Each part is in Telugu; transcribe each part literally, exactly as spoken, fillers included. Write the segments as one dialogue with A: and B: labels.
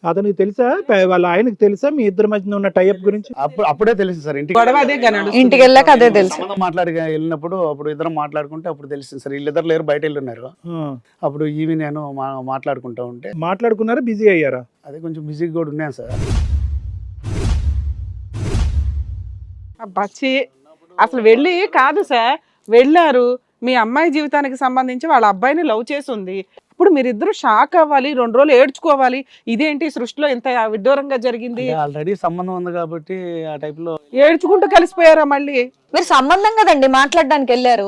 A: అతనికి తెలుసా ప- వాళ్ళ ఆయనకి తెలుసా మీ ఇద్దరి మధ్యన ఉన్న టైప్ గురించి?
B: అప్పుడు అప్పుడే తెలుసు సార్ ఇంటికి
C: గొడవ అదే గా నడుస్తుంది.
D: ఇంటికి వెళ్ళాక అదే తెలుసు.
B: సంబంధం మాట్లాడి వెళ్ళినప్పుడు అప్పుడు ఇద్దరం మాట్లాడుకుంటే అప్పుడు తెలిసింది సార్. వీళ్ళిద్దరు లేరు, బయట వెళ్ళున్నారు.
A: ఆ,
B: అప్పుడు ఈవి నేను మా- మాట్లాడుకుంటా ఉంటే
A: మాట్లాడుకున్నారా, బిజీ అయ్యారా?
B: అదే కొంచెం బిజీగా కూడా ఉన్నాను సార్.
C: అబ్బా, ఛీ. అసలు వెళ్ళి కాదు సార్, వెళ్ళారు మీ అమ్మాయి జీవితానికి సంబంధించి వాళ్ళ అబ్బాయిని లవ్ చేసి ఉంది. ఇప్పుడు మీరిద్దరు షాక్ అవ్వాలి, రెండు రోజులు ఏడ్చుకోవాలి. ఇదేంటి సృష్టిలో ఇంత విడ్డూరంగా జరిగింది,
B: ఆల్రెడీ సంబంధం ఉంది కాబట్టి ఆ టైప్ లో
C: ఏడ్చుకుంటూ కలిసిపోయారా మళ్ళీ?
D: మీరు సంబంధం కదండి మాట్లాడడానికి వెళ్ళారు.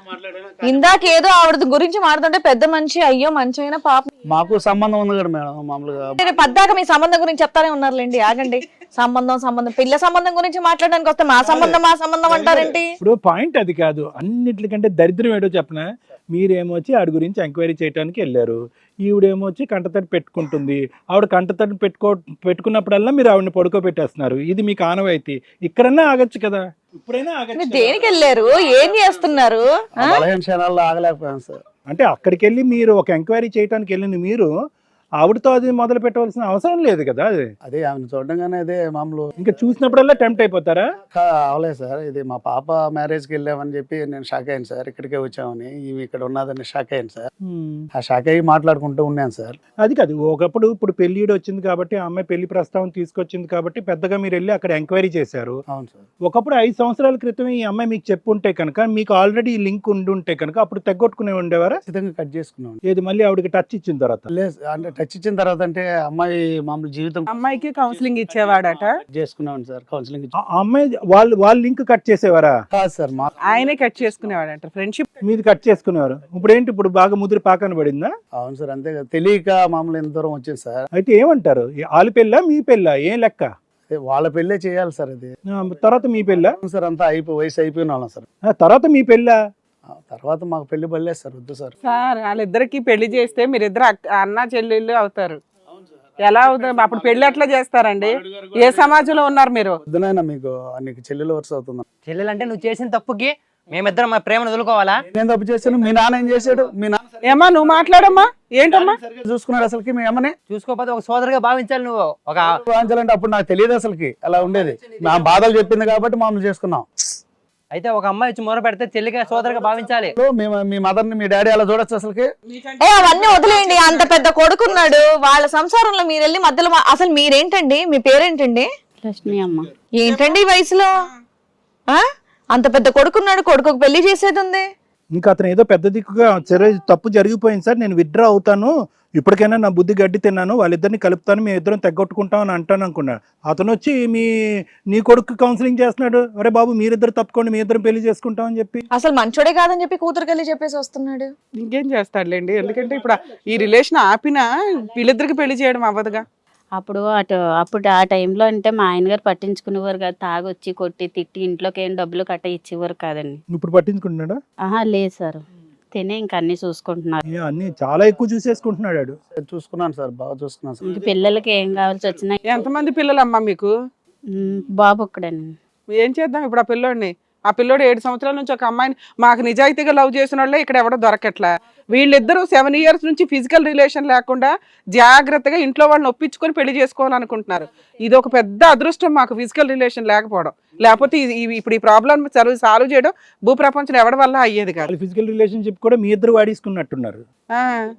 D: ఇందాక ఏదో ఆవిడ గురించి మాట్లాడుతుంటే పెద్ద మనిషి, అయ్యో మంచి అయినా పాపం.
B: మాకు సంబంధం ఉంది కదా మేడం మామూలుగా.
D: నేను పద్దాక మీ సంబంధం గురించి చెప్తానే ఉన్నారులేండి, ఆగండి. సంబంధం సంబంధం పిల్ల సంబంధం గురించి మాట్లాడడానికి వస్తే మా సంబంధం మా సంబంధం అంటారేంటి?
A: ఇప్పుడు పాయింట్ అది కాదు. అన్నిటికంటే దరిద్రం ఏడో చెప్పనా, మీరేమో వచ్చి ఆడి గురించి ఎంక్వైరీ చేయడానికి వెళ్ళారు, ఈవిడేమో వచ్చి కంటతడి పెట్టుకుంటుంది. ఆవిడ కంటతడి పెట్టుకో పెట్టుకున్నప్పుడల్లా మీరు ఆవిడని పడుకోబెట్టేస్తున్నారు. ఇది మీకు ఆనవాయితీ. ఇక్కడన్నా ఆగచ్చు కదా, ఇప్పుడైనా ఆగచ్చు
D: మీరు
A: కదా.
D: దేనికి వెళ్ళారు, ఏం చేస్తున్నారు?
B: ఆ బలహీన క్షణాల్లో ఆగలేకపోయాను సార్.
A: అంటే అక్కడికి వెళ్ళి మీరు ఒక ఎంక్వైరీ చేయడానికి వెళ్ళిన మీరు ఆవిడతో అది మొదలు పెట్టవలసిన అవసరం లేదు కదా. అది
B: అదే ఆమెను చూడగానే అదే మామూలు
A: ఇంకా చూసినప్పుడల్లా టెంప్ట్ అయిపోతారా?
B: కా- అవలేదు సార్. ఇది మా పాప మ్యారేజ్కి వెళ్ళామని చెప్పి నేను షాక్ అయ్యాను సార్. ఇక్కడికే వచ్చామని ఇవి ఇక్కడ ఉన్నదని షాక్ అయ్యాను సార్. ఆ షాక్ అయ్యి మాట్లాడుకుంటూ ఉన్నాను సార్.
A: అది కాదు, ఒకప్పుడు ఇప్పుడు పెళ్లిడు వచ్చింది కాబట్టి ఆ అమ్మాయి పెళ్లి ప్రస్తావన తీసుకొచ్చింది కాబట్టి పెద్దగా మీరు వెళ్ళి అక్కడ ఎంక్వైరీ చేశారు.
B: అవును సార్.
A: ఒకప్పుడు ఐదు సంవత్సరాల క్రితం ఈ అమ్మాయి మీకు చెప్పుంటే కనుక, మీకు ఆల్రెడీ లింక్ ఉండి ఉంటే కనుక అప్పుడు తెగొట్టుకునే ఉండేవారా?
B: ఖచ్చితంగా కట్ చేసుకున్నాను.
A: ఏది మళ్ళీ ఆవిడకి టచ్ ఇచ్చిన తర్వాత?
B: లేదు అంటే టచ్ ఇచ్చిన తర్వాత అంటే అమ్మాయి మామూలు జీవితం
C: అమ్మాయికి కౌన్సిలింగ్ ఇచ్చేవాడట,
B: కట్ చేసుకున్నాను సార్. కౌన్సిలింగ్
A: ఆ ఆ అమ్మాయి వాళ్ళు వాళ్ళ లింక్ కట్ చేసేవారా?
B: కాదు సార్. మా
C: ఆయనే కట్ చేసుకునేవాడంట. ఫ్రెండ్షిప్
A: మీది కట్ చేసుకునేవారు. ఇప్పుడు ఏంటి, ఇప్పుడు బాగా ముదిరి పాకన పడిందా?
B: అవును సార్. అంతే కదా, తెలియక మామూలు ఎంత దూరం వచ్చింది సార్.
A: అయితే ఏమంటారు, వాళ్ళ పెళ్ళా మీ పెళ్ళా, ఏం లెక్క?
B: అదే వాళ్ళ పెళ్ళే చేయాలి సార్. అది
A: ఆ, తర్వాత మీ పెళ్ళా?
B: అవును సార్. అంతా అయిపోయి వయసు అయిపోయిన వాళ్ళం సార్.
A: ఆ, తర్వాత మీ పెళ్ళా?
B: ఆ తర్వాత మాకు పెళ్లి పడలేదు సార్. వద్దు సార్.
C: సార్ వాళ్ళిద్దరికి పెళ్లి చేస్తే మీరిద్దరు అక్క- అన్న చెల్లెళ్ళు అవుతారు. ఎలా అవుతారు అప్పుడు? పెళ్లి ఎట్లా చేస్తారండి? ఏ సమాజంలో ఉన్నారు మీరు?
B: వద్దునైనా మీకు నీకు చెల్లెలు వరుస అవుతుంది.
E: చెల్లెలంటే నువ్వు చేసిన తప్పుకి మేమిద్దరం మా ప్రేమను వదులుకోవాలా?
B: నేను తప్పు చేశాను, మీ నాన్న ఏం చేశాడు? మీ నాన్న
C: ఏమా నువ్వు మాట్లాడమ్మా, ఏంటమ్మా?
B: సరిగ్గా చూసుకున్నాడు అసలుకి మీ అమ్మని?
E: చూసుకోకపోతే ఒక సోదరుగా భావించాలి నువ్వు. ఒక
B: వాంచాలంటే అప్పుడు నాకు తెలియదు అసలుకి అలా ఉండేది. మా బాధలు చెప్పింది కాబట్టి మామూలు చేసుకున్నాం.
E: అయితే ఒక అమ్మాయి వచ్చి మొర పెడితే చెల్లిగా సోదరుగా భావించాలి.
B: మేము మీ మదర్ ని మీ డాడీ అలా చూడొచ్చు అసలుకి?
D: ఏ అవన్నీ వదిలేయండి. అంత పెద్ద కొడుకున్నాడు, వాళ్ళ సంసారంలో మీరు వెళ్ళి మధ్యలో మా- అసలు మీరేంటండి, మీ పేరేంటండి?
F: లక్ష్మి అమ్మ.
D: ఏంటండి ఈ వయసులో? ఆ అంత పెద్ద కొడుకున్నాడు, కొడుకు పెళ్లి చేసేది ఉంది.
A: ఇంకా అతను ఏదో పెద్ద దిక్కుగా సరే తప్పు జరిగిపోయింది సార్, నేను విత్డ్రా అవుతాను, ఇప్పటికైనా నా బుద్ధి గడ్డి తిన్నాను, వాళ్ళిద్దరిని కలుపుతాను, మేము ఇద్దరం తెగొట్టుకుంటాం అని అంటాను అనుకున్నాడు. అతను వచ్చి మీ నీ కొడుకు కౌన్సిలింగ్ చేస్తున్నాడు, అరే బాబు మీరిద్దరు తప్పుకోండి, మీ ఇద్దరం పెళ్లి చేసుకుంటాం అని చెప్పి.
D: అసలు మంచోడే కాదని చెప్పి కూతురుకి వెళ్ళి చెప్పేసి వస్తున్నాడు.
C: ఇంకేం చేస్తాడులేండి, ఎందుకంటే ఇప్పుడు ఈ రిలేషన్ ఆపినా వీళ్ళిద్దరికి పెళ్లి చేయడం అవ్వదుగా.
F: అప్పుడు అటు అప్పుడు ఆ టైంలో అంటే మా ఆయన గారు పట్టించుకునేవారు కాదు. తాగొచ్చి కొట్టి తిట్టి ఇంట్లోకి ఏం డబ్బులు కట్ట ఇచ్చేవారు కాదండి.
A: ఇప్పుడు పట్టించుకుంటున్నాడా?
F: ఆహా లేదు సార్, తినే ఇంక అన్ని చూసుకుంటున్నారు.
A: ఏ, అన్ని చాలా ఎక్కువ చూసేసుకుంటున్నాడు వాడు.
B: చూసుకున్నాను సార్, బాగా చూసుకున్నాను సార్.
F: ఇంక పిల్లలకి ఏం కావాల్సి వచ్చినా
C: ఎంతమంది పిల్లలమ్మా మీకు?
F: ఉమ్, బాబు ఒక్కడేనండి.
C: ఏం చేద్దాం ఇప్పుడు ఆ పిల్లోడిని? ఆ పిల్లోడు ఏడు సంవత్సరాల నుంచి ఒక అమ్మాయిని మాకు నిజాయితీగా లవ్ చేసిన వాళ్ళే ఇక్కడ ఎవడో దొరకట్లా. వీళ్ళిద్దరూ సెవెన్ ఇయర్స్ నుంచి ఫిజికల్ రిలేషన్ లేకుండా జాగ్రత్తగా ఇంట్లో వాళ్ళని ఒప్పించుకొని పెళ్లి చేసుకోవాలనుకుంటున్నారు. ఇది ఒక పెద్ద అదృష్టం మాకు, ఫిజికల్ రిలేషన్ లేకపోవడం. లేకపోతే ఇది- ఇది- ఇప్పుడు ఈ ప్రాబ్లం సాల్వ్ చేయడం భూప్రపంచం ఎవరి వల్ల అయ్యేది కాదు.
A: ఫిజికల్ రిలేషన్షిప్ కూడా మీ ఇద్దరు వాడేసుకున్నట్టున్నారు.
C: ఆ.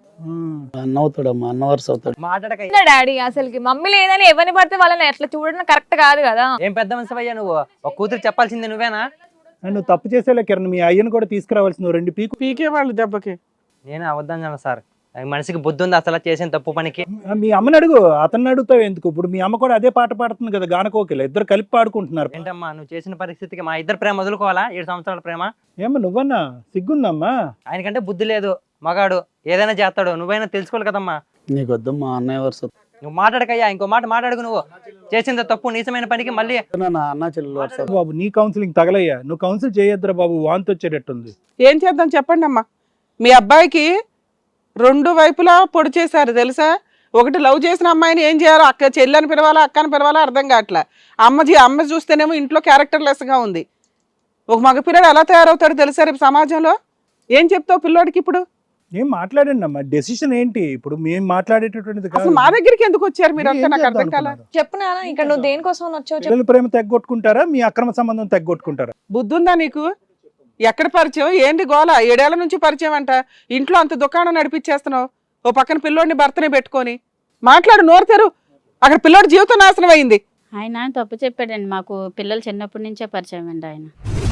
B: అన్న అవుతాడమ్మా, అన్న వరుస అవుతాడు.
E: మాట్లాడక
G: డాడీ అసలుకి మమ్మీ లేదని ఎవరిని పడితే వాళ్ళని ఎట్లా చూడడం కరెక్ట్ కాదు కదా.
E: ఏం పెద్ద మనిషి నువ్వు? ఒక కూతురు చెప్పాల్సింది నువ్వేనా?
A: నువ్వు తప్పు చేసేలే కిరణ్, మీ అయ్యను కూడా తీసుకురావాల్సింది రెండు పీకు.
C: పీకే వాళ్ళు దెబ్బకి.
E: నేను అవద్దాను సార్, మనిషికి బుద్ధి ఉంది అసలు చేసిన తప్పు పనికి?
A: మీ అమ్మని అడుగు, అతన్ని అడుగుతావు ఎందుకు? ఇప్పుడు మీ అమ్మ కూడా అదే పాట పాడుతుంది కదా, గానకోకిల, ఇద్దరు కలిపి పాడుకుంటున్నారు.
E: ఏంటమ్మా నువ్వు చేసిన పరిస్థితికి మా ఇద్దరు ప్రేమ వదులుకోవాలా? ఏడు సంవత్సరాల ప్రేమ.
A: ఏమ్మా నువ్వన్నా సిగ్గుందమ్మా?
E: ఆయనకంటే బుద్ధి లేదు, మగాడు ఏదైనా చేస్తాడు, నువ్వైనా తెలుసుకోవాలి కదమ్మా.
B: నీకు వద్దమ్మా, అన్నయ్య వరుస అవుతాడు.
E: నువ్వు మాట్లాడకయ్యా, ఇంకో మాట మాట్లాడుకు. నువ్వు చేసిన తప్పు నీచమైన పనికి మళ్ళీ
B: నా అన్న చెల్లెలు వరుస అవుతాడు.
A: బాబు నీ కౌన్సిలింగ్ తగలయ్యా, నువ్వు కౌన్సిల్ చేయొద్దురా బాబు, వాంతి వచ్చేటట్టుంది.
C: ఏం చేద్దాం చెప్పండి అమ్మా. మీ అబ్బాయికి రెండు వైపులా పొడి చేశారు తెలుసా. ఒకటి లవ్ చేసిన అమ్మాయిని ఏం చేయాలో, అక్క చెల్లని పిలవాలా అక్కని పిలవాలా అర్థం కావట్లే. అమ్మ జీ అమ్మ చూస్తేనేమో ఇంట్లో క్యారెక్టర్లెస్గా ఉంది. ఒక మగ పిల్లడు ఎలా తయారవుతాడు తెలుసా రేపు సమాజంలో? ఏం చెప్తావు పిల్లోడికి ఇప్పుడు?
A: ఏం మాట్లాడండి అమ్మా, డెసిషన్ ఏంటి ఇప్పుడు మేము మాట్లాడేటటువంటిది
C: అసలు
A: కాదు.
C: మా దగ్గరికి ఎందుకు వచ్చారు మీరు అంతా
A: ఏం
C: నాకు
A: చేద్దాం
C: అర్థం కాల.
A: అనుకున్నారు?
D: చెప్పు నాన్న, ఇక్కడ నువ్వు దేనికోసం వచ్చావు చెప్పు.
A: పిల్లల ప్రేమ తగ్గొట్టుకుంటారా, మీ అక్రమ సంబంధం తగ్గొట్టుకుంటారా?
C: బుద్ధి ఉందా నీకు? ఎక్కడ పరిచయం ఏంటి గోల? ఏడేళ్ల నుంచి పరిచయం అంట, ఇంట్లో అంత దుకాణం నడిపించేస్తున్నావు, ఓ పక్కన పిల్లోడిని భర్తని పెట్టుకొని మాట్లాడు, నోరు తెరు. అక్కడ పిల్లోడి జీవితం నాశనం అయింది.
F: ఆయన తప్పు చెప్పాడండి, మాకు పిల్లలు చిన్నప్పటి నుంచే పరిచయం అండి ఆయన.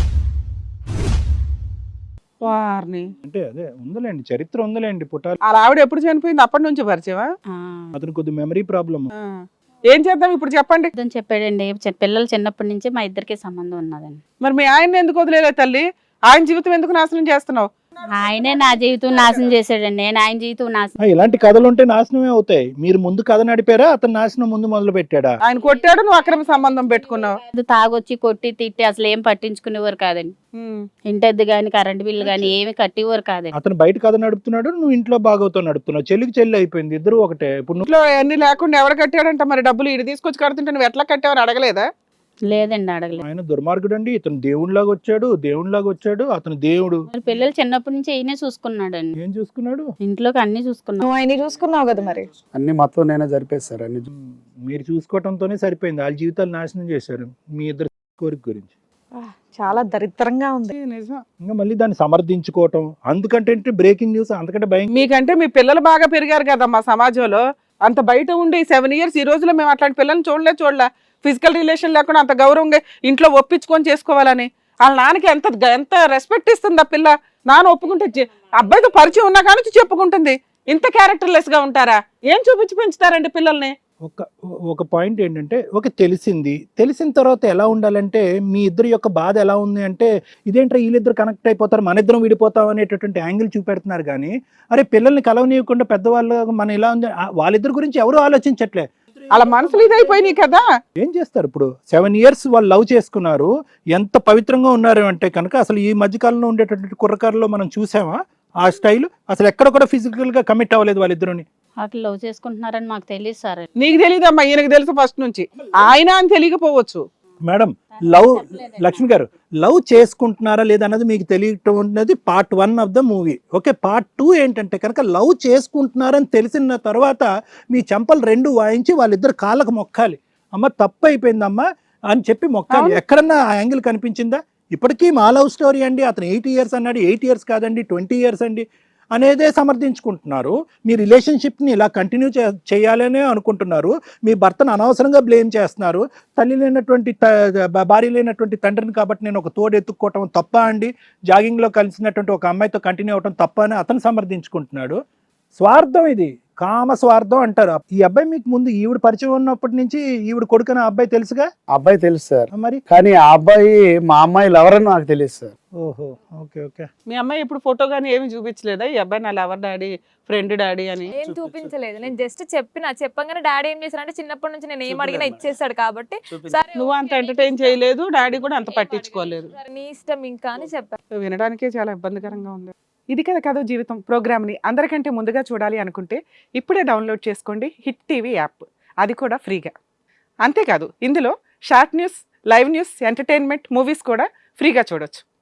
C: వారిని
A: అంటే అదే ఉందిలేండి, చరిత్ర ఉందిలేండి పుట్టాలి.
C: అలా ఆవిడ ఎప్పుడు చనిపోయింది? అప్పటి నుంచి పరిచయమా?
F: ఆ,
A: అతను కొద్ది మెమరీ ప్రాబ్లమ్.
C: ఆ. ఏం చేద్దాం ఇప్పుడు చెప్పండి.
F: అతను చెప్పాడండి, చి- పిల్లలు చిన్నప్పటి నుంచి మా ఇద్దరికి సంబంధం ఉన్నదండి.
C: మరి మీ ఆయన్ని ఎందుకు వదిలేలే తల్లి? ఆయన జీవితం ఎందుకు నాశనం చేస్తున్నావు?
F: ఆయనే నా జీవితం నాశనం చేశాడండి, నేను ఆయన జీవితం నాశనం.
A: ఇలాంటి కథలు ఉంటే నాశనమే అవుతాయి. మీరు ముందు కథ నడిపారా, అతను నాశనం ముందు మొదలు పెట్టాడా?
C: ఆయన కొట్టాడు, నువ్వు అక్రమ సంబంధం పెట్టుకున్నావు.
F: అది తాగొచ్చి కొట్టి తిట్టి అసలు ఏం పట్టించుకునేవారు కాదండి.
C: ఉమ్.
F: ఇంటద్దు గాని కరెంట్ బిల్లు గాని ఏమి కట్టేవారు కాదండి.
A: అతను బయట కథ నడుపుతున్నాడు, నువ్వు ఇంట్లో బాగోతో నడుపుతున్నావు. చెల్లికి చెల్లి అయిపోయింది, ఇద్దరు ఒకటే. ఇప్పుడు నువ్వు
C: ఇంట్లో అన్ని లేకుండా ఎవరు కట్టాడంట మరి డబ్బులు? ఇటు తీసుకొచ్చి కడుతుంటే నువ్వు ఎట్లా కట్టావని అడగలేదా?
F: లేదండి, అడగలేదు.
A: ఆయన దుర్మార్గుడు అండి. ఇతను దేవుడిలాగా వచ్చాడు, దేవుడిలాగా వచ్చాడు. అతను దేవుడు.
F: మరి పిల్లలు చిన్నప్పటి నుంచి ఈయనే చూసుకున్నాడండి,
A: ఏం చూసుకున్నాడు?
F: ఇంట్లోకి అన్ని చూసుకున్నాడు.
D: నువ్వు ఆయన చూసుకున్నావు కదా మరి.
B: అన్ని మొత్తం నేనే జరిపేస్తారు అన్ని.
A: మీరు చూసుకోవటంతోనే సరిపోయింది, వాళ్ళ జీవితాలు నాశనం చేశారు మీ ఇద్దరు కోరిక గురించి.
D: చాలా దరిద్రంగా ఉంది.
C: ఏ నిజం.
A: ఇంకా మళ్ళీ దాన్ని సమర్థించుకోవటం, అందుకంటే బ్రేకింగ్ న్యూస్ అంతకంటే భయం.
C: మీకంటే మీ పిల్లలు బాగా పెరిగారు కదా మా సమాజంలో. అంత బయట ఉండి సెవెన్ ఇయర్స్ ఈ రోజులో మేము అట్లాంటి పిల్లల్ని చూడలే చూడలే ఫిజికల్ రిలేషన్ లేకుండా అంత గౌరవంగా ఇంట్లో ఒప్పించుకొని చేసుకోవాలని వాళ్ళ నాన్నకి ఎంత ఎంత రెస్పెక్ట్ ఇస్తుంది ఆ పిల్ల. నాన్న ఒప్పుకుంటే జె- అబ్బాయితో పరిచయం ఉన్నా కానీ చెప్పుకుంటుంది. ఇంత క్యారెక్టర్లెస్ గా ఉంటారా? ఏం చూపించి పెంచుతారండి పిల్లల్ని?
A: ఒక ఒక పాయింట్ ఏంటంటే, ఒక తెలిసింది తెలిసిన తర్వాత ఎలా ఉండాలంటే, మీ ఇద్దరు యొక్క బాధ ఎలా ఉంది అంటే, ఇదేంట్రా వీళ్ళిద్దరు కనెక్ట్ అయిపోతారు, మన ఇద్దరం విడిపోతాం అనేటటువంటి యాంగిల్ చూపెడుతున్నారు. కానీ అరే పిల్లల్ని కలవనీయకుండా పెద్దవాళ్ళు మనం ఇలా ఉంది, ఆ వాళ్ళిద్దరి గురించి ఎవరు ఆలోచించట్లే.
C: అలా మనసులు ఇదైపోయినాయి కదా.
A: ఏం చేస్తారు ఇప్పుడు? సెవెన్ ఇయర్స్ వాళ్ళు లవ్ చేసుకున్నారు, ఎంత పవిత్రంగా ఉన్నారు అంటే కనుక అసలు ఈ మధ్యకాలంలో ఉండేటటువంటి కుర్రకారులో మనం చూసామా ఆ స్టైల్? అసలు ఎక్కడ కూడా ఫిజికల్ గా కమిట్ అవ్వలేదు వాళ్ళిద్దరుని.
F: అట్లా లవ్ చేసుకుంటున్నారని మాకు తెలియదు సార్.
C: నీకు తెలియదమ్మా, ఈయనకు తెలుసు ఫస్ట్ నుంచి. ఆయన అని తెలియకపోవచ్చు.
A: మేడం, లవ్ లక్ష్మి గారు లవ్ చేసుకుంటున్నారా లేదా అన్నది మీకు తెలియటం ఉన్నది part one of the movie. Okay, part two ఏంటంటే కనుక లవ్ చేసుకుంటున్నారని తెలిసిన తర్వాత మీ చెంపలు రెండు వాయించి వాళ్ళిద్దరు కాళ్ళకు మొక్కాలి. అమ్మ తప్పు అయిపోయిందమ్మా అని చెప్పి మొక్కాలి. ఎక్కడన్నా ఆ యాంగిల్ కనిపించిందా? ఇప్పటికీ మా లవ్ స్టోరీ అండి, అతను ఎయిట్ ఇయర్స్ అన్నాడు, ఎయిట్ ఇయర్స్ కాదండి ట్వంటీ ఇయర్స్ అండి అనేదే సమర్థించుకుంటున్నారు. మీ రిలేషన్షిప్ని ఇలా కంటిన్యూ చే చేయాలనే అనుకుంటున్నారు. మీ భర్తను అనవసరంగా బ్లేమ్ చేస్తున్నారు. తల్లి లేనటువంటి భార్య లేనటువంటి తండ్రిని కాబట్టి నేను ఒక తోడు ఎత్తుక్కోవటం తప్ప అండి, జాగింగ్లో కలిసినటువంటి ఒక అమ్మాయితో కంటిన్యూ అవటం తప్ప అని అతను సమర్థించుకుంటున్నాడు. స్వార్థం ఇది, కామ స్వార్థం అంటారు. ఈ అబ్బాయి మీకు ముందు ఈవిడ పరిచయం ఉన్నప్పటి నుంచి ఈవిడ కొడుకున అబ్బాయి తెలుసుగా?
B: అబ్బాయి తెలుసు సార్,
A: మరి
B: కానీ ఆ అబ్బాయి మా అమ్మాయిలు ఎవరని నాకు తెలియదు సార్.
A: ఓహో, ఓకే ఓకే.
C: మీ అమ్మాయి ఇప్పుడు ఫోటో కానీ ఏమి చూపించలేదా ఈ అబ్బాయి నా లవర్ డాడీ, ఫ్రెండ్ డాడీ అని?
G: ఏం చూపించలేదు. నేను జస్ట్ చెప్పిన చెప్పగానే డాడీ ఏం చేశారంటే చిన్నప్పటి నుంచి నేను ఏం అడిగినా ఇచ్చేసాడు కాబట్టి సరే
C: నువ్వు అంత ఎంటర్టైన్ చేయలేదు, డాడీ కూడా అంత పట్టించుకోలేదు.
G: సరే, నీ ఇష్టం ఇంకా అని చెప్పాను.
C: వినడానికే చాలా ఇబ్బందికరంగా ఉంది. ఇది కదా కథ జీవితం ప్రోగ్రామ్ని అందరికంటే ముందుగా చూడాలి అనుకుంటే ఇప్పుడే డౌన్లోడ్ చేసుకోండి హిట్ టీవీ యాప్, అది కూడా ఫ్రీగా. అంతేకాదు ఇందులో short news, live news, entertainment, movies కూడా ఫ్రీగా చూడొచ్చు.